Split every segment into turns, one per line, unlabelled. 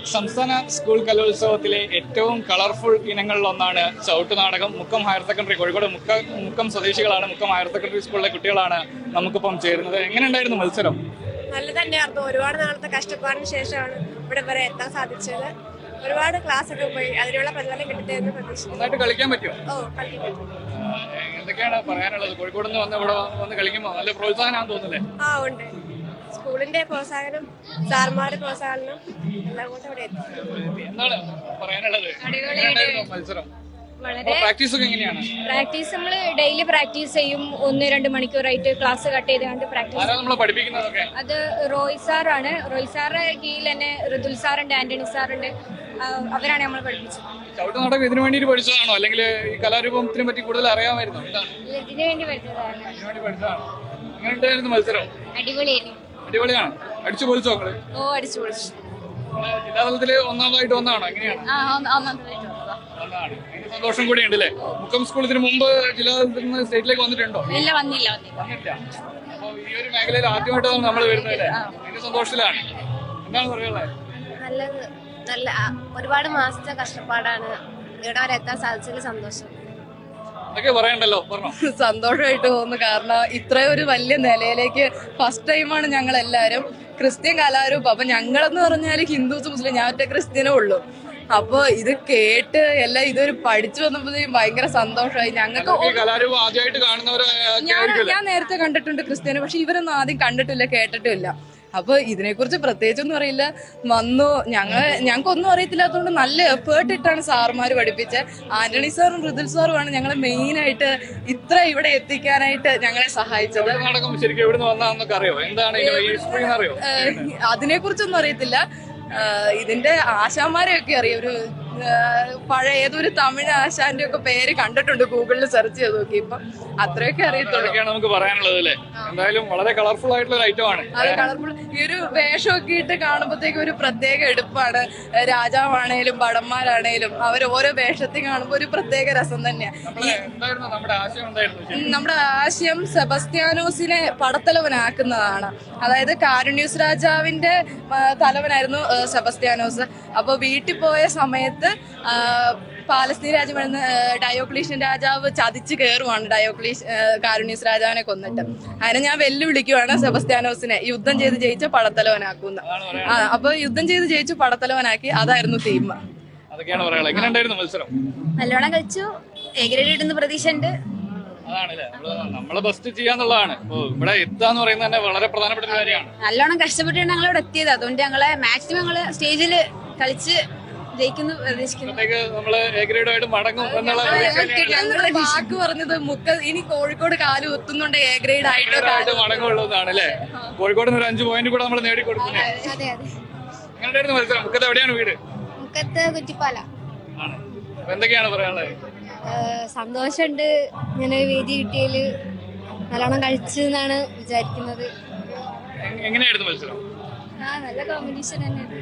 സംസ്ഥാന സ്കൂൾ കലോത്സവത്തിലെ ഏറ്റവും കളർഫുൾ ഇനങ്ങളിലൊന്നാണ് ചവിട്ടുനാടകം. മുക്കം ഹയർ സെക്കൻഡറി, കോഴിക്കോട് മുക്കം സ്വദേശികളാണ്, മുക്കം ഹയർ സെക്കൻഡറി സ്കൂളിലെ കുട്ടികളാണ് നമുക്കിപ്പം ചേരുന്നത്. എങ്ങനെ ഉണ്ടായിരുന്നു മത്സരം?
നല്ല തന്നെയായിരുന്നു. ഒരുപാട് നാളത്തെ കഷ്ടപ്പാടിന് ശേഷമാണ് ഇവിടെ വരെ എത്താൻ സാധിച്ചത്. ഒരുപാട് ക്ലാസ് ഒക്കെ പോയി, അതിനുള്ള പ്രതിഫലം കിട്ടട്ടെന്ന് പ്രതീക്ഷിക്കുന്നു.
നന്നായിട്ട് കളിക്കാൻ പറ്റുമോ?
കളിക്കാൻ പറ്റും.
എന്തൊക്കെയാണ് പറയാനുള്ളത്? കോഴിക്കോട് നിന്ന് വന്ന് ഇവിടെ വന്ന് കളിക്കുമ്പോൾ നല്ല പ്രോത്സാഹനം തോന്നുന്നില്ലേ?
ഉണ്ട്. സ്കൂളിന്റെ പ്രോത്സാഹനം, സാർമാരുടെ പ്രോത്സാഹനം എല്ലാം കൊണ്ട് ഇവിടെ എത്തി.
എന്താണ് പറയാനുള്ളത്? മത്സരം പ്രാക്ടീസ് ഒക്കെ എങ്ങനെയാണ്?
പ്രാക്ടീസ് നമ്മൾ ഡെയിലി പ്രാക്ടീസ് ചെയ്യും. 1-2 മണിക്കൂറായിട്ട് ക്ലാസ് കട്ട് ചെയ്തുകൊണ്ട് പ്രാക്ടീസ്.
പഠിപ്പിക്കുന്നതൊക്കെ
അത് റോയ് സാറാണ്. റോയ് സാറിന്റെ കീഴിൽ തന്നെ ഋതുൽ സാറുണ്ട്, ആന്റണി സാറുണ്ട്. അവരാണ് നമ്മൾ പഠിപ്പിച്ചത്.
ചവിട്ടുനാടകം ഇതിനു വേണ്ടി പഠിച്ചതാണോ, അല്ലെങ്കിൽ ഈ കലാരൂപത്തിനെ പറ്റി കൂടുതൽ അറിയാമായിരുന്നോ?
ഇതിനു വേണ്ടി പഠിച്ചതാണ്.
എങ്ങനെ ഉണ്ടായിരുന്നു മത്സരം? അടിപൊളിയാണ്. അടിച്ചു പൊളിച്ചോ മക്കള്?
അടിച്ചു പൊളിച്ചു.
ജില്ലാതലത്തില് ഒന്നാമതായിട്ട് വന്നാണോ? എങ്ങനെയാണ്? സന്തോഷം കൂടി ഉണ്ട് അല്ലേ? മുക്കം സ്കൂൾ ഇതിനു മുമ്പ് ജില്ലാതലത്തിൽ നിന്ന് സ്റ്റേറ്റിലേക്ക് വന്നിട്ടുണ്ടോ?
വന്നില്ല.
അപ്പൊ ഈ ഒരു മേഖലയിൽ ആദ്യമായിട്ടാണ് നമ്മൾ വരുന്നത്. അതിന്റെ സന്തോഷത്തിലാണ്. എന്താണ് പറയുള്ളത്?
നല്ല ഒരുപാട് മാസത്തെ കഷ്ടപ്പാടാണ് ഇവിടെ വരെ എത്താൻ സാധിച്ചതിൽ സന്തോഷം.
പറയണ്ടല്ലോ, പറഞ്ഞോ.
സന്തോഷമായിട്ട് തോന്നുന്നു. കാരണം ഇത്രയും ഒരു വലിയ നിലയിലേക്ക് ഫസ്റ്റ് ടൈമാണ് ഞങ്ങൾ എല്ലാവരും ക്രിസ്ത്യൻ കലാരൂപം. അപ്പൊ ഞങ്ങളെന്ന് പറഞ്ഞാൽ ഹിന്ദുസ് മുസ്ലിം, ഞാൻ ഒറ്റ ക്രിസ്ത്യനേ ഉള്ളൂ. അപ്പൊ ഇത് കേട്ട് എല്ലാം ഇതൊരു പഠിച്ചു വന്നപ്പോഴത്തേക്കും ഭയങ്കര സന്തോഷമായി ഞങ്ങൾക്ക്. ഞാൻ നേരത്തെ കണ്ടിട്ടുണ്ട് ക്രിസ്ത്യന്, പക്ഷെ ഇവരൊന്നും ആദ്യം കണ്ടിട്ടില്ല, കേട്ടിട്ടില്ല. അപ്പൊ ഇതിനെക്കുറിച്ച് പ്രത്യേകിച്ചൊന്നും അറിയില്ല. വന്നു, ഞങ്ങൾക്കൊന്നും അറിയത്തില്ലാത്തതുകൊണ്ട് നല്ല എഫേർട്ട് ഇട്ടാണ് സാറുമാർ പഠിപ്പിച്ചത്. ആന്റണി സാറും ഋതുൽ സാറുമാണ് ഞങ്ങളെ മെയിൻ ആയിട്ട് ഇത്ര ഇവിടെ എത്തിക്കാനായിട്ട് ഞങ്ങളെ സഹായിച്ചത്. അതിനെക്കുറിച്ചൊന്നും അറിയത്തില്ല. ഇതിന്റെ ആശാന്മാരെയൊക്കെ അറിയാം. ഒരു പഴയ ഏതൊരു തമിഴ് ആശാന്റെ ഒക്കെ പേര് കണ്ടിട്ടുണ്ട്, ഗൂഗിളിൽ സെർച്ച് ചെയ്ത് നോക്കി. ഇപ്പൊ അത്രയൊക്കെ അറിയത്തുള്ളൂ.
നമുക്ക് പറയാനുള്ളത് അല്ലേ? എന്തായാലും വളരെ കളർഫുൾ ആയിട്ടുള്ള ഒരു ഐറ്റം ആണ്.
അതെ, കളർഫുൾ. ഈ ഒരു വേഷമൊക്കെ ഇട്ട് കാണുമ്പോഴത്തേക്കും ഒരു പ്രത്യേക എടുപ്പാണ്. രാജാവാണേലും ഭടന്മാരാണേലും അവർ ഓരോ വേഷത്തിൽ കാണുമ്പോൾ ഒരു പ്രത്യേക രസം തന്നെയാണ്. നമ്മുടെ ആശയം സെബസ്ത്യാനോസിനെ പടത്തലവനാക്കുന്നതാണ്. അതായത് കാരുണ്യൂസ് രാജാവിന്റെ തലവനായിരുന്നു സെബസ്ത്യാനോസ്. അപ്പൊ വീട്ടിൽ പോയ സമയത്ത് പാലസ്തീൻ രാജ്യമായിരുന്ന ഡയോക്ലീഷ്യൻ രാജാവ് ചതിച്ച് കയറുവാണ് കാരുണ്യൂസ് രാജാവിനെ കൊന്നിട്ട്. അതിനെ ഞാൻ വെല്ലുവിളിക്കുവാണ് സെബസ്ത്യാനോസിനെ യുദ്ധം ചെയ്ത് ജയിച്ച പടത്തലവനാക്കുന്ന. അപ്പൊ യുദ്ധം ചെയ്ത് ജയിച്ചു പടത്തലവനാക്കി. അതായിരുന്നു തീം.
നല്ലോണം കളിച്ചു. എ ഗ്രേഡ് ഇടുന്ന പ്രതീക്ഷ ഉണ്ട്.
നമ്മളെ ബെസ്റ്റ് ചെയ്യാന്നുള്ളതാണ്. ഇവിടെ എത്താന്ന് പറയുന്നത് തന്നെ വളരെ പ്രധാനപ്പെട്ട ഒരു കാര്യമാണ്.
നല്ലോണം കഷ്ടപ്പെട്ടാണ് ഞങ്ങൾ ഇവിടെ എത്തിയത്. അതുകൊണ്ട് ഞങ്ങളെ മാക്സിമം ഞങ്ങള് സ്റ്റേജിൽ കളിച്ച് ജയിക്കുന്നു പ്രതീക്ഷിക്കുന്നു.
വാക്ക് പറഞ്ഞത് ഇനി കോഴിക്കോട് കാല് കുത്തുന്നുണ്ട് എ ഗ്രേഡ് ആയിട്ട്
മടങ്ങുള്ളതാണ് അല്ലേ? കോഴിക്കോട് 5 പോയിന്റ് കൂടെ നമ്മൾ നേടിക്കൊടുക്കുന്നത്. മുക്കത്ത് എവിടെയാണ് വീട്?
മുക്കത്ത് കുറ്റിപ്പാല.
എന്തൊക്കെയാണ് പറയാനുള്ളത്?
സന്തോഷമുണ്ട്. ഇങ്ങനെ വേദി കിട്ടിയതിൽ നല്ലോണം കളിച്ചു എന്നാണ് വിചാരിക്കുന്നത്.
എങ്ങനെയായിരുന്നു മത്സരം?
നല്ല കോമ്പറ്റീഷൻ തന്നെയാണ്.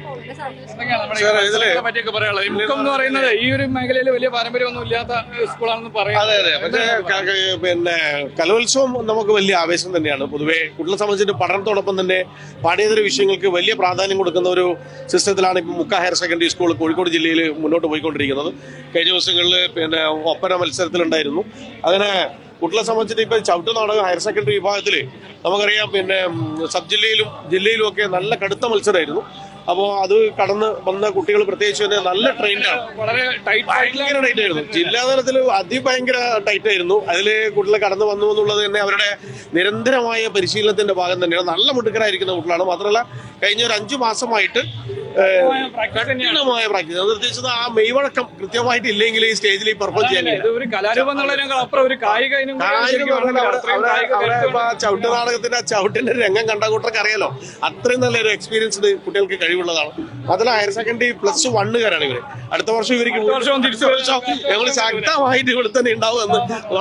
മുക്കം എന്ന് പറയുന്നത് ഈ ഒരു മേഖലയിൽ വലിയ പാരമ്പര്യമൊന്നും ഇല്ലാത്ത സ്കൂളാണെന്ന് പറയാം.
അതെ, പക്ഷേ പിന്നെ കലോത്സവം നമുക്ക് വലിയ ആവേശം തന്നെയാണ്. പൊതുവെ കുട്ടികളെ സംബന്ധിച്ചിട്ട് പഠനത്തോടൊപ്പം തന്നെ പാഠ്യേതര വിഷയങ്ങൾക്ക് വലിയ പ്രാധാന്യം കൊടുക്കുന്ന ഒരു സിസ്റ്റത്തിലാണ് ഇപ്പം മുക്ക ഹയർ സെക്കൻഡറി സ്കൂൾ കോഴിക്കോട് ജില്ലയിൽ മുന്നോട്ട് പോയിക്കൊണ്ടിരിക്കുന്നത്. കഴിഞ്ഞ ദിവസങ്ങളിൽ പിന്നെ ഒപ്പന മത്സരത്തിലുണ്ടായിരുന്നു. അങ്ങനെ കുട്ടികളെ സംബന്ധിച്ചിട്ട് ഇപ്പം ചവിട്ടുനാടകം ഹയർ സെക്കൻഡറി വിഭാഗത്തിൽ നമുക്കറിയാം, പിന്നെ സബ് ജില്ലയിലും ഒക്കെ നല്ല കടുത്ത മത്സരമായിരുന്നു. അപ്പോൾ അത് കടന്ന് വന്ന കുട്ടികൾ പ്രത്യേകിച്ച് തന്നെ നല്ല ട്രെയിൻഡാണ്. ഭയങ്കര ടൈറ്റ് ആയിരുന്നു. ജില്ലാതലത്തിൽ അതിഭയങ്കര ടൈറ്റ് ആയിരുന്നു. അതിൽ കുട്ടികളെ കടന്നു വന്നു എന്നുള്ളത് തന്നെ അവരുടെ നിരന്തരമായ പരിശീലനത്തിന്റെ ഭാഗം തന്നെയാണ്. നല്ല മിടുക്കരായിരിക്കുന്ന കുട്ടികളാണ്. മാത്രമല്ല കഴിഞ്ഞ ഒരു 5 മാസമായിട്ട് കഠിനമായ പ്രാക്ടീസ്. അത് പ്രത്യേകിച്ച് ആ മെയ്വഴക്കം കൃത്യമായിട്ട് ഇല്ലെങ്കിൽ ഈ സ്റ്റേജിൽ പെർഫോം ചെയ്യാൻ ചവിട്ടുനാടകത്തിന്റെ ചവിട്ടിന്റെ രംഗം കണ്ട കൂട്ടർക്ക് അറിയാലോ. അത്രയും നല്ലൊരു എക്സ്പീരിയൻസ്ഡ് കുട്ടികൾക്ക് കഴിവുള്ളതാണ്. അതിൽ ഹയർ സെക്കൻഡറി +1-കാരാണ് ഇവര്. അടുത്ത വർഷം ഇവർക്ക് ഞങ്ങൾ ശക്തമായിട്ട് ഇവിടെ തന്നെ ഉണ്ടാവും എന്ന്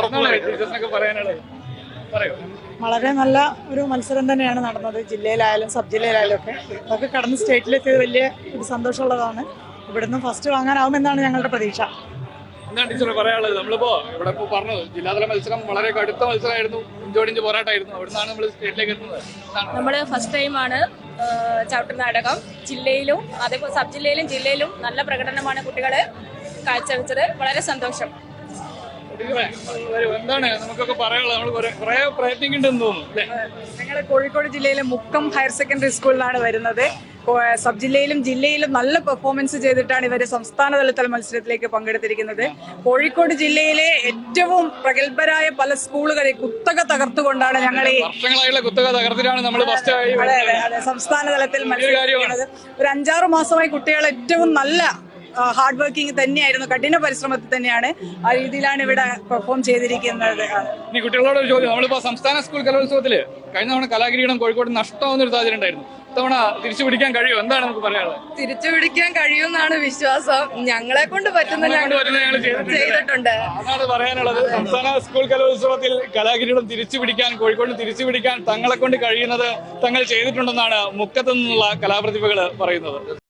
വളരെ നല്ല ഒരു മത്സരം തന്നെയാണ് നടന്നത്. ജില്ലയിലായാലും സബ് ജില്ലയിലായാലും ഒക്കെ അതൊക്കെ കടന്ന് സ്റ്റേറ്റിലെത്തിയത് വലിയ ഒരു സന്തോഷമുള്ളതാണ്. ഇവിടുന്ന് ഫസ്റ്റ് വാങ്ങാനാവുമെന്നാണ് ഞങ്ങളുടെ പ്രതീക്ഷ.
എന്താണ് ടീച്ചർ പറയാനുള്ളത്? നമ്മളിപ്പോ ഇവിടെ പറഞ്ഞത് ജില്ലാതല മത്സരം വളരെ കടുത്ത മത്സരമായിരുന്നു, ഇഞ്ചോടിഞ്ച് പോരാട്ടമായിരുന്നു. അവിടുന്നാണ് നമ്മൾ സ്റ്റേറ്റിലേക്ക് എത്തുന്നത്.
നമ്മള് ഫസ്റ്റ് ടൈമാണ്
ചവിട്ടുനാടകം ജില്ലയിലും അതേപോലെ സബ് ജില്ലയിലും ജില്ലയിലും നല്ല പ്രകടനമാണ് കുട്ടികൾ കാഴ്ചവെച്ചത്. വളരെ സന്തോഷം.
കുട്ടികളെ, എന്താണ് നമുക്കൊക്കെ പറയാനുള്ളത്? നമ്മൾ കുറെ പ്രയത്നിക്കുന്നുണ്ടെന്ന് തോന്നുന്നു അല്ലേ?
ഞങ്ങൾ കോഴിക്കോട് ജില്ലയിലെ മുക്കം ഹയർ സെക്കൻഡറി സ്കൂളിലാണ് വരുന്നത്. സബ് ജില്ലയിലും ജില്ലയിലും നല്ല പെർഫോമൻസ് ചെയ്തിട്ടാണ് ഇവർ സംസ്ഥാന തലത്തിൽ മത്സരത്തിലേക്ക് പങ്കെടുത്തിരിക്കുന്നത്. കോഴിക്കോട് ജില്ലയിലെ ഏറ്റവും പ്രഗത്ഭരായ പല സ്കൂളുകളെ കുത്തക തകർത്തുകൊണ്ടാണ് ഞങ്ങൾ ഈ
വർഷങ്ങളായുള്ള കുത്തക തകർത്തിട്ടാണ് നമ്മൾ ഫസ്റ്റ് ആയി
സംസ്ഥാന തലത്തിൽ മത്സരിക്കുന്നത്. ഒരു 5-6 മാസമായി കുട്ടികൾ ഏറ്റവും നല്ല ഹാർഡ് വർക്കിംഗ് തന്നെയായിരുന്നു, കഠിന പരിശ്രമത്തിൽ തന്നെയാണ് ആ രീതിയിലാണ് ഇവിടെ പെർഫോം ചെയ്തിരിക്കുന്നത്.
ഇനി കുട്ടികളോട് ഒരു ചോദ്യം. നമ്മളിപ്പോ സംസ്ഥാന സ്കൂൾ കലോത്സവത്തില് കഴിഞ്ഞ തവണ കലാകിരീടം കോഴിക്കോട് നഷ്ടമാവുന്ന ഒരു സാഹചര്യം ഉണ്ടായിരുന്നു. ഇത്തവണ തിരിച്ചു പിടിക്കാൻ കഴിയും, എന്താണ് നമുക്ക് പറയാനുള്ളത്?
തിരിച്ചു പിടിക്കാൻ കഴിയുമെന്നാണ് വിശ്വാസം. ഞങ്ങളെ കൊണ്ട് പറ്റുന്ന
ഞങ്ങൾ
ചെയ്തിട്ടുണ്ട്.
അതാണ് പറയാനുള്ളത്. സംസ്ഥാന സ്കൂൾ കലോത്സവത്തിൽ കലാകിരീടം തിരിച്ചു പിടിക്കാൻ, കോഴിക്കോട് തിരിച്ചു പിടിക്കാൻ തങ്ങളെ കൊണ്ട് കഴിയുന്നത് തങ്ങൾ ചെയ്തിട്ടുണ്ടെന്നാണ് മുക്കത്ത് നിന്നുള്ള കലാപ്രതിഭകൾ പറയുന്നത്.